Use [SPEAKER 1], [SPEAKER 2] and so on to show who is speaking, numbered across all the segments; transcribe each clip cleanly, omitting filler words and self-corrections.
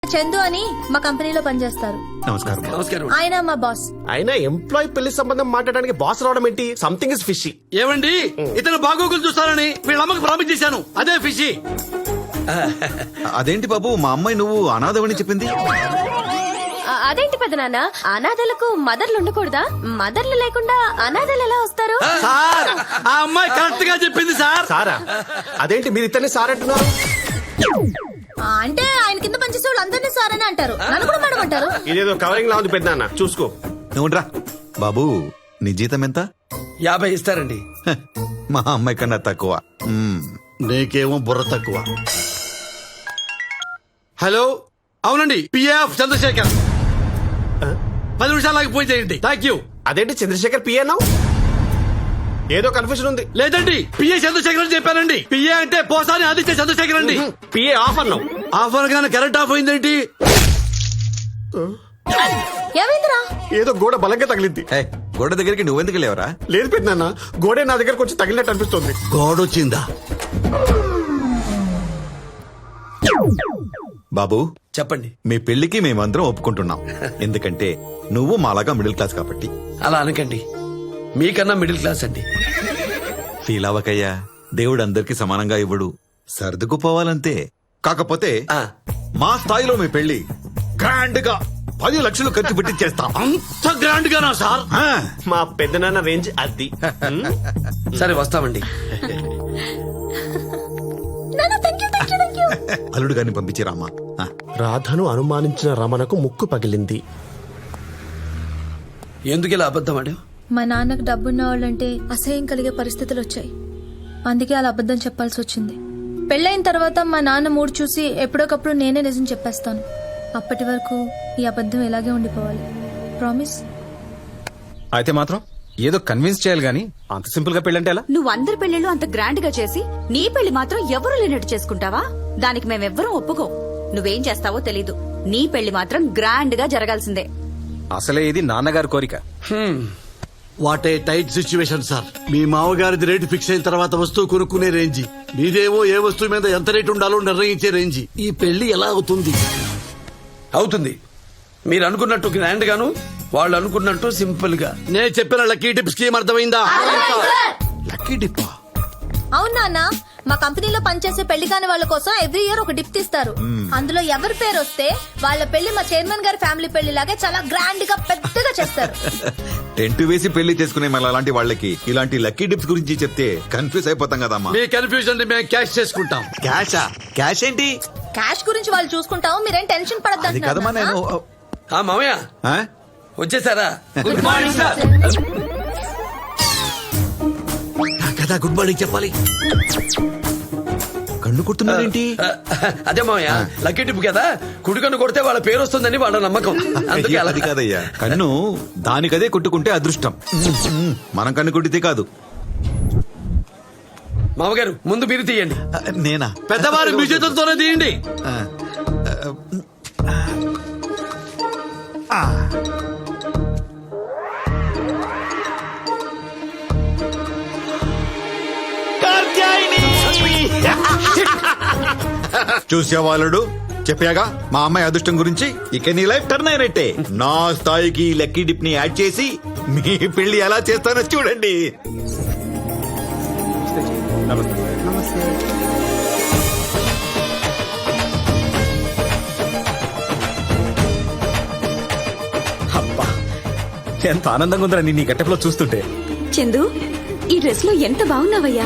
[SPEAKER 1] చందు అని మా కంపెనీలో పనిచేస్తారు.
[SPEAKER 2] నమస్కారం.
[SPEAKER 3] నమస్కారం.
[SPEAKER 1] ఆయన మా బాస్.
[SPEAKER 2] అయినా ఎంప్లాయ్ పెళ్లి సంబంధం మాట్లాడడానికి బాస్ రావడం ఏంటి? Something is fishy.
[SPEAKER 3] ఏమండి ఇతను బాగోగులు చూస్తానని వీళ్ళ అమ్మకి ప్రామిస్ చేశాను. అదే ఫిషి.
[SPEAKER 4] అదేంటి బాబు, మా అమ్మాయి నువ్వు అనాథవని చెప్పింది.
[SPEAKER 1] అదేంటి పెదనాన్న, అనాథలకు మదర్లు ఉండకూడదా? మదర్లు లేకుండా అనాథలు ఎలా వస్తారు?
[SPEAKER 3] సార్ ఆ అమ్మాయి కరెక్ట్ గా చెప్పింది సార్.
[SPEAKER 2] సారా? అదేంటి మీరు ఇతన్ని సార్ అంటున్నారు?
[SPEAKER 1] అంటే ఆయన కింద పనిచేసే వాళ్ళు అందరినీ సార్ అని అంటారు, నన్ను కూడా మేడం అంటారు.
[SPEAKER 2] ఇదేదో కవరింగ్ లా ఉంది పెద్దనాన్న, చూసుకో.
[SPEAKER 4] నువ్వురా బాబు, నీ జీతం ఎంత?
[SPEAKER 3] 50 ఇస్తారండి.
[SPEAKER 4] హ, మా అమ్మాయి కన్నా తక్కువ.
[SPEAKER 3] నీకేమో బుర్ర తక్కువ. హలో, అవునండి, పిఎఫ్ చంద్రశేఖర్. 10 నిమిషాలు ఫోన్ చేయండి. Thank you.
[SPEAKER 2] అదేంటి చంద్రశేఖర్ పిఏ అన్నావు? ఏదో కన్ఫ్యూజన్ ఉంది.
[SPEAKER 3] లేదండి, పిఏ చంద్రశేఖర్ అని చెప్పానండి. పిఏ అంటే పోసాని ఆదిత్య చంద్రశేఖర్ అండి.
[SPEAKER 2] పిఏ ఆఫ్ అన్నావు.
[SPEAKER 3] ఆఫర్ గానే కరెంట్ ఆఫ్ అయిందేంటి?
[SPEAKER 1] ఏమైందిరా?
[SPEAKER 2] ఏదో గోడ బలంగా తగిలింది.
[SPEAKER 4] ఏయ్, గోడ దగ్గరికి నువ్వెందుకు లేవరా?
[SPEAKER 2] లేదు పెద్దనాన్న, గోడే నా దగ్గరకు వచ్చి తగిలినట్టు అనిపిస్తుంది.
[SPEAKER 3] గోడొచ్చిందా?
[SPEAKER 4] బాబు
[SPEAKER 3] చెప్పండి.
[SPEAKER 4] మీ పెళ్లికి మేమందరం ఒప్పుకుంటున్నాం. ఎందుకంటే నువ్వు మాలాగా మిడిల్ క్లాస్ కాబట్టి.
[SPEAKER 3] అలా అనకండి, మీకన్నా మిడిల్ క్లాస్ అండి.
[SPEAKER 4] ఫీల్ అవ్వకయ్యా, దేవుడు అందరికి సమానంగా ఇవ్వడు. సర్దుకుపోవాలంతే. కాకపోతే మా స్థాయిలో మీ పెళ్లి గ్రాండ్ గా 10 లక్షలు ఖర్చు పెట్టి చేస్తాం.
[SPEAKER 3] అంత గ్రాండ్ గానా సార్?
[SPEAKER 2] మా పెద్దనాన్న రేంజ్ అది.
[SPEAKER 3] సరే వస్తామండి.
[SPEAKER 4] అల్లుడు గారిని పంపించిరామా.
[SPEAKER 2] రాధను అనుమానించిన రమణకు ముక్కు పగిలింది.
[SPEAKER 3] ఎందుకు ఇలా అబద్ధం ఆడావు?
[SPEAKER 1] మా నాన్నకు డబ్బున్న వాళ్ళంటే అసహ్యం కలిగే పరిస్థితులు వచ్చాయి, అందుకే అలా అబద్ధం చెప్పాల్సి వచ్చింది. పెళ్ళైన తర్వాత మా నాన్న మూడు చూసి ఎప్పుడోకప్పుడు నేనే నిజం చెప్పేస్తాను. అప్పటి వరకు ఈ అబద్ధం ఇలాగే ఉండిపోవాలి. ప్రామిస్.
[SPEAKER 5] అయితే మాత్రం ఏదో కన్విన్స్ చేయాలి గానీ అంత సింపుల్ గా పెళ్ళంటే ఎలా?
[SPEAKER 6] నువ్వు అందరి పెళ్లిళ్ళు అంత గ్రాండ్ గా చేసి నీ పెళ్లి మాత్రం ఎవరు లేనట్టు చేసుకుంటావా? దానికి మేమెవ్వరం ఒప్పుకో. నువ్వేం చేస్తావో తెలీదు, నీ పెళ్లి మాత్రం గ్రాండ్ గా జరగాల్సిందే.
[SPEAKER 5] అసలే ఇది నాన్నగారి కోరిక.
[SPEAKER 3] What a tight situation sir. మీ మామగారిది రేటు ఫిక్స్ అయిన తర్వాత వస్తువు కొనుక్కునే రేంజి, మీదేమో ఏ వస్తువు మీద ఎంత రేటు ఉండాలో నిర్ణయించే రేంజి. ఈ పెళ్లి ఎలా అవుతుంది? అవుతుంది. మీరు అనుకున్నట్టు గ్రాండ్ గాను, వాళ్ళు అనుకున్నట్టు సింపుల్ గా. నేను చెప్పిన లక్కీ టిప్ స్కీమ్ అర్థమైందా? Lucky tip?
[SPEAKER 1] అవును నాన్న, మా కంపెనీలో పనిచేసే పెళ్లి కాని వాళ్ళ కోసం ఎవ్రీ ఇయర్ ఒక డిప్ ఇస్తారు. అందులో ఎవరి పేరు వస్తే వాళ్ళ పెళ్లి మా చైర్మన్ గారి ఫ్యామిలీ పెళ్లి లాగే చాలా గ్రాండ్ గా పెద్దగా చేస్తారు.
[SPEAKER 4] టెంట్ వేసి పెళ్లి చేసుకునే మళ్ళీ అలాంటి వాళ్ళకి ఇలాంటి లక్కీ టిప్స్ గురించి చెప్తే కన్ఫ్యూజ్ అయిపోతాం కదమ్మా.
[SPEAKER 3] మీ కన్ఫ్యూజన్ మేము క్యాష్ చేసుకుంటాం.
[SPEAKER 4] క్యాషా? క్యాష్ ఏంటి?
[SPEAKER 1] క్యాష్ గురించి వాళ్ళు చూసుకుంటాం, మీరేం టెన్షన్
[SPEAKER 4] అది కదమ్మా. నేను
[SPEAKER 1] పడద్దు.
[SPEAKER 3] మామయ్య
[SPEAKER 4] ఆ?
[SPEAKER 3] వచ్చేసారా? Good morning sir. కదా గుడ్ మార్నింగ్ చెప్పాలి.
[SPEAKER 4] కన్ను కుడుతున్నారేంటి?
[SPEAKER 3] అదే మామయ్య, లక్కీ టిప్ కదా, కుడికన్ను కొడితే వాళ్ళ పేరు వస్తుందని వాళ్ళ నమ్మకం. అందుకే అలా.
[SPEAKER 4] అది కాదయ్యా, కన్ను దానికదే కొట్టుకుంటే అదృష్టం. మనం కన్ను కొట్టితే కాదు.
[SPEAKER 3] మామగారు ముందు మీరు తీయండి.
[SPEAKER 4] నేనా?
[SPEAKER 3] పెద్దవారు మీ చేతులతోనే తీయండి.
[SPEAKER 4] చూసేవాళ్ళుడు చెప్పాగా మా అమ్మాయి అదృష్టం గురించి. ఇక నీ లైఫ్ టర్న్ అయినట్టే. నా స్థాయికి లక్కీ డిప్ ని యాడ్ చేసి మీ పెళ్లి ఎలా చేస్తానో చూడండి.
[SPEAKER 5] అబ్బా, ఎంత ఆనందంగా ఉందిరా నీ గెటప్ లో చూస్తుంటే.
[SPEAKER 6] చందు, ఈ డ్రెస్ లో ఎంత బాగున్నావయ్యా.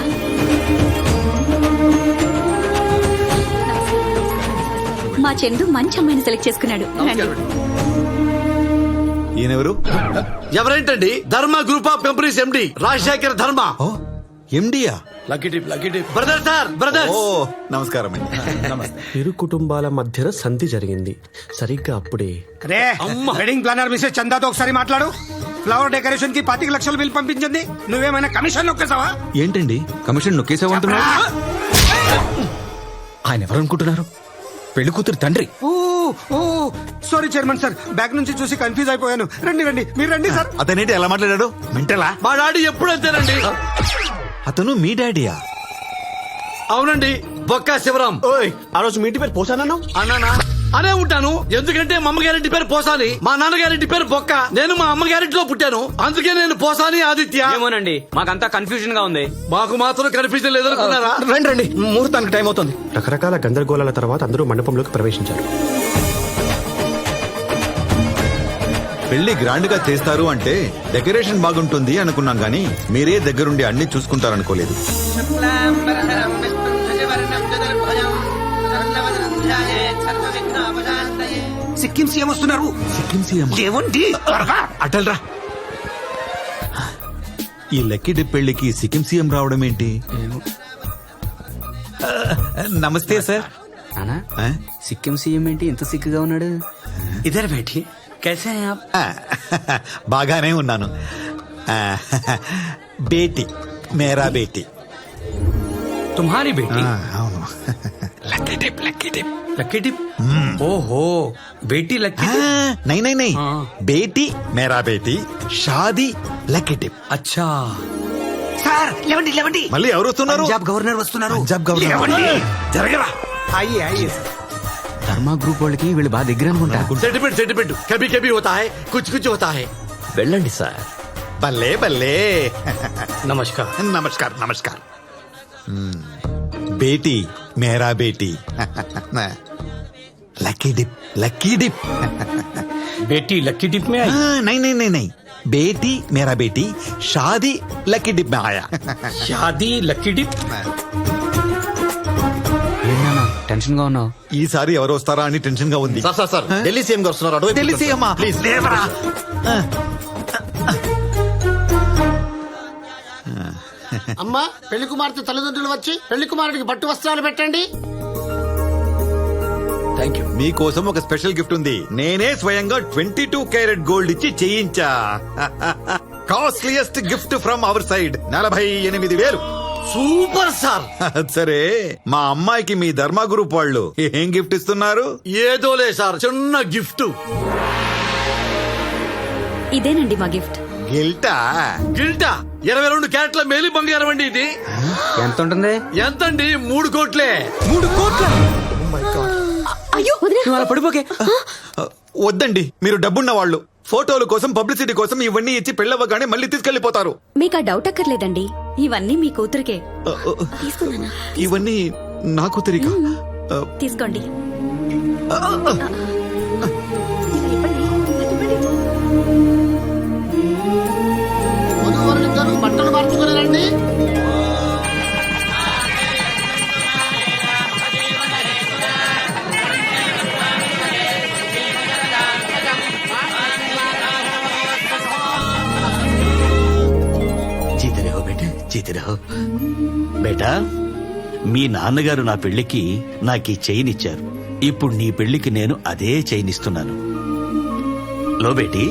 [SPEAKER 6] మా చందు మంచి అమ్మాయిని సెలెక్ట్ చేసుకున్నాడు.
[SPEAKER 4] ఈయనెవరు?
[SPEAKER 3] ఎవరేంటండి? Dharma group of companies MD Rajasekhar Dharma.
[SPEAKER 4] ఎండియా?
[SPEAKER 3] Lucky tip, lucky tip. Brother sir, brother.
[SPEAKER 4] ఓ నమస్కారం అండి.
[SPEAKER 2] ఇరు కుటుంబాల మధ్యన సంధి జరిగింది. సరిగ్గా అప్పుడే
[SPEAKER 7] రే వెడ్డింగ్ ప్లానర్ మిస్సెస్ చందాతో ఒకసారి మాట్లాడు. ఫ్లవర్ డెకరేషన్ కి 25 లక్షలు బిల్ పంపించింది. నువ్వేమైనా కమిషన్ నొక్కేసావా?
[SPEAKER 4] ఏంటండి కమిషన్ నొక్కేసావంటున్నా?
[SPEAKER 5] ఆయన ఎవరు అనుకుంటున్నారు? పెళ్లి కూతురు తండ్రి.
[SPEAKER 7] సారీ చైర్మన్ సార్, బ్యాక్ నుంచి చూసి కన్ఫ్యూజ్ అయిపోయాను. రండి రండి, మీరు రండి సార్.
[SPEAKER 4] అతనేంటి ఎలా మాట్లాడాడు? మెంటలా?
[SPEAKER 3] మా డాడీ ఎప్పుడు అంతేనండి.
[SPEAKER 4] అతను మీ డాడీయా?
[SPEAKER 3] అవునండి, బొక్కా శివరాం.
[SPEAKER 2] ఓయ్, ఆ రోజు మీ ఇంటి పేరు పోసానన్నావు.
[SPEAKER 3] అన్నానా? అనే ఉంటాను. ఎందుకంటే మా అమ్మ గ్యారెంటీ పేరు పోసాని, మా నాన్న గ్యారెంటీ పేరు బొక్క. నేను మా అమ్మ గ్యారెంటీలో పుట్టాను, అందుకే నేను పోసాని ఆదిత్య.
[SPEAKER 8] ఏమోనండి, మాకంతా కన్ఫ్యూజన్ గా ఉంది.
[SPEAKER 3] మాకు మాత్రం కనిపించడం లేదనుకున్నారా?
[SPEAKER 5] రండి రండి, ముహూర్తానికి టైం అవుతుంది.
[SPEAKER 2] రకరకాల గందరగోళాల తర్వాత అందరూ మండపంలోకి ప్రవేశించారు.
[SPEAKER 4] పెళ్లి గ్రాండ్ గా చేస్తారు అంటే డెకరేషన్ బాగుంటుంది అనుకున్నాం గానీ మీరే దగ్గరుండి అన్ని చూసుకుంటారనుకోలేదు.
[SPEAKER 7] సిక్కిం సీఎం వస్తున్నారు. ఏమండి
[SPEAKER 4] అటల్రా, ఈ లక్కీ డిప్ పెళ్లికి సిక్కిం సీఎం రావడం ఏంటి? నమస్తే సార్.
[SPEAKER 8] నానా,
[SPEAKER 4] ఆ?
[SPEAKER 8] సిక్కిం సీఎం ఏంటి ఇంత సిక్కుగా ఉన్నాడు?
[SPEAKER 7] ఇద్దరు బేటీ कैसे हैं आप?
[SPEAKER 4] బాగానే ఉన్నాను. బేటీ, మేరా బేటీ.
[SPEAKER 8] तुम्हारी बेटी
[SPEAKER 4] అవును.
[SPEAKER 7] लकी टिप लकी टिप ओहो बेटी लकी
[SPEAKER 4] నై నై నై,
[SPEAKER 7] हाँ।
[SPEAKER 4] బేటీ మేరా బేటీ, షాదీ లక్కీ డిప్.
[SPEAKER 7] अच्छा సార్ లేవండి లేవండి.
[SPEAKER 4] మళ్ళీ ఎవరు వస్తున్నారు?
[SPEAKER 7] పంజాబ్ గవర్నర్ వస్తున్నారు.
[SPEAKER 4] పంజాబ్ గవర్నర్.
[SPEAKER 7] లేవండి, జరగరా. అయ్యే అయ్యే
[SPEAKER 8] ధర్మా గ్రూప్ వాళ్ళకి వీళ్ళు బాగా దగ్గర అనుకుంటా.
[SPEAKER 3] సెంటిమెంట్ సెంటిమెంట్ కभी कभी होता है, कुछ कुछ होता है.
[SPEAKER 8] వెళ్ళండి సార్.
[SPEAKER 4] బల్లే బల్లే.
[SPEAKER 7] नमस्कार.
[SPEAKER 4] నమస్కార్ నమస్కార్. బేటీ మేరా బేటీ, లక్కీ డిప్ లక్కీ డిప్.
[SPEAKER 7] बेटी लकी टिप में आई.
[SPEAKER 4] నై నై నై నై, బేటీ మేరా బేటీ, షాదీ లక్కీ డిప్ మే ఆయా.
[SPEAKER 7] शादी लकी टिप.
[SPEAKER 8] ఏంటన్నా టెన్షన్ గా ఉన్నావు?
[SPEAKER 4] ఈసారి ఎవరు వస్తారా అని టెన్షన్ గా ఉంది.
[SPEAKER 2] సార్ ఢిల్లీ సీఎం గారు వస్తున్నారు. అటువైపు
[SPEAKER 4] ఢిల్లీ సీఎం
[SPEAKER 2] ప్లీజ్.
[SPEAKER 4] లేవరా.
[SPEAKER 9] అమ్మా, పెళ్లి కుమార్తె తల్లిదండ్రులు వచ్చి పెళ్లి కుమారుడికి పట్టు వస్త్రాలు పెట్టండి.
[SPEAKER 4] Thank you. మీకోసం ఒక స్పెషల్ గిఫ్ట్ ఉంది. నేనే స్వయంగా 22 క్యారెట్ గోల్డ్ ఇచ్చి చేయించా. Costliest gift from our side. 48,000.
[SPEAKER 3] Super sir.
[SPEAKER 4] సరే, మా అమ్మాయికి మీ ధర్మా గ్రూప్ వాళ్ళు ఏం గిఫ్ట్ ఇస్తున్నారు?
[SPEAKER 3] ఏదోలే సార్, చిన్న గిఫ్ట్.
[SPEAKER 6] ఇదేనండి మా గిఫ్ట్.
[SPEAKER 4] గిల్టా?
[SPEAKER 3] గిల్టా 22 క్యారెట్ల మేలి బంగారం అండి ఇది.
[SPEAKER 8] ఎంత ఉంటుంది?
[SPEAKER 3] ఎంతండి? 3 కోట్లే.
[SPEAKER 8] 3 కోట్ల?
[SPEAKER 6] అయ్యో
[SPEAKER 8] నువ్వు అలా పడిపోకే.
[SPEAKER 4] వద్దండి, మీరు డబ్బున్న వాళ్ళు. ఫోటోల కోసం, పబ్లిసిటీ కోసం ఇవన్నీ ఇచ్చి పెళ్ళవ్వగానే మళ్ళీ తీసుకెళ్లిపోతారు.
[SPEAKER 6] మీకు ఆ డౌట్ అక్కర్లేదండి, ఇవన్నీ మీ కూతురికే. తీసుకున్నానా?
[SPEAKER 4] ఇవన్నీ నాకు తిరిగి
[SPEAKER 6] తీసుకోండి.
[SPEAKER 9] వధూవరులిద్దరూ బట్టలు మార్చుకుని రండి.
[SPEAKER 10] జీతే రహో బేటా, జీతే రహో. బేటా, మీ నాన్నగారు నా పెళ్లికి నాకు ఈ చైన్ ఇచ్చారు. ఇప్పుడు నీ పెళ్లికి నేను అదే చైన్ ఇస్తున్నాను. లో బేటీ,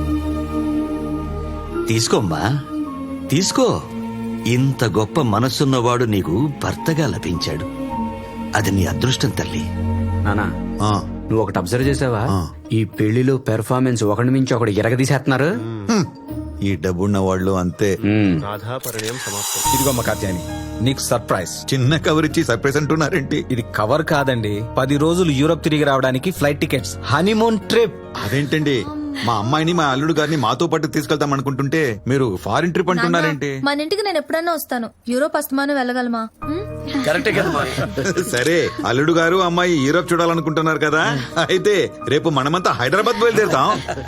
[SPEAKER 10] తీసుకోమ్మా, తీసుకో. ఇంత గొప్ప మనసున్నవాడు నీకు భర్తగా లభించాడు. అది నీ అదృష్టం తల్లి.
[SPEAKER 8] నానా, నువ్వు ఒకటి అబ్జర్వ్ చేసావా? ఈ పెళ్లిలో పెర్ఫార్మెన్స్ ఒకటి మించి ఒకటి ఎరగదీసేస్తున్నారు.
[SPEAKER 4] ఈ డబ్బున్న వాళ్ళు అంతే.
[SPEAKER 2] రాధాపరిణయం సమాప్తం.
[SPEAKER 5] ఇదిగో మా కాత్యాని, నీకు సర్ప్రైజ్.
[SPEAKER 4] చిన్న కవర్ ఇచ్చి సర్ప్రైజ్ అంటున్నారేంటి?
[SPEAKER 5] ఇది కవర్ కాదండి, 10 రోజులు యూరోప్ తిరిగి రావడానికి ఫ్లైట్ టికెట్స్, హనీమూన్ ట్రిప్.
[SPEAKER 4] అదేంటంటే మా అమ్మాయిని, మా అల్లుడు గారిని మాతో పాటు తీసుకెళ్తాం అనుకుంటుంటే మీరు ఫారిన్ ట్రిప్ అంటున్నారేంటి?
[SPEAKER 1] మన ఇంటికి నేను ఎప్పుడన్నా వస్తాను. యూరోప్ అస్తమానం వెళ్ళగలమా?
[SPEAKER 3] కరెక్టే కదా.
[SPEAKER 4] సరే, అల్లుడు గారు అమ్మాయి యూరోప్ చూడాలనుకుంటున్నారు కదా, అయితే రేపు మనమంతా హైదరాబాద్ బయలుదేరుతాం.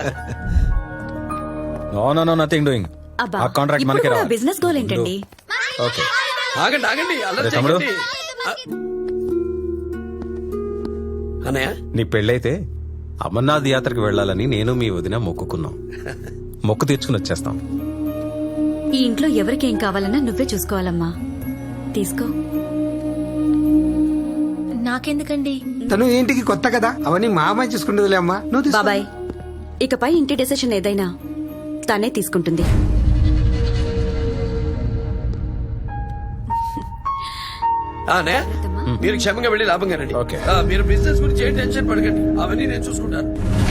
[SPEAKER 5] No nothing doing.
[SPEAKER 6] అబ్బా,
[SPEAKER 5] ఆ కాంట్రాక్ట్
[SPEAKER 6] ఇప్పుడు
[SPEAKER 5] మనకి
[SPEAKER 6] కూడా
[SPEAKER 5] రావాలి.
[SPEAKER 6] బిజినెస్ గోల్ ఏంటండి?
[SPEAKER 5] ఓకే.
[SPEAKER 3] ఆగండి ఆగండి, అల్లరి
[SPEAKER 5] అరే తమ్ముడు.
[SPEAKER 3] చేయకండి. అన్నయ్య,
[SPEAKER 5] నీ పెళ్ళైతే అమర్నాథ్ యాత్రకు వెళ్ళాలని నేను మీ వదిన మొక్కుకున్నాం. మొక్కు తీర్చుకుని వచ్చేస్తాం.
[SPEAKER 6] ఈ ఇంట్లో ఎవరికేం కావాలన్నా నువ్వే చూసుకోవాలమ్మా. తీసుకో.
[SPEAKER 1] నాకెందుకండి?
[SPEAKER 7] తను ఇంటికి కొత్త కదా, అవన్నీ మా అమ్మాయి చూసుకుంటుందిలే అమ్మా. నువ్వు తీసుకో.
[SPEAKER 6] బాబాయ్, ఇకపై ఇంటి డెసిషన్ ఏదైనా తనే తీసుకుంటుంది.
[SPEAKER 3] అన్నయ్య, మీరు క్షేమంగా వెళ్ళి లాభంగా రండి.
[SPEAKER 5] ఓకే.
[SPEAKER 3] మీరు బిజినెస్ గురించి ఏ టెన్షన్ పడకండి, అవన్నీ నేను చూసుకుంటాను.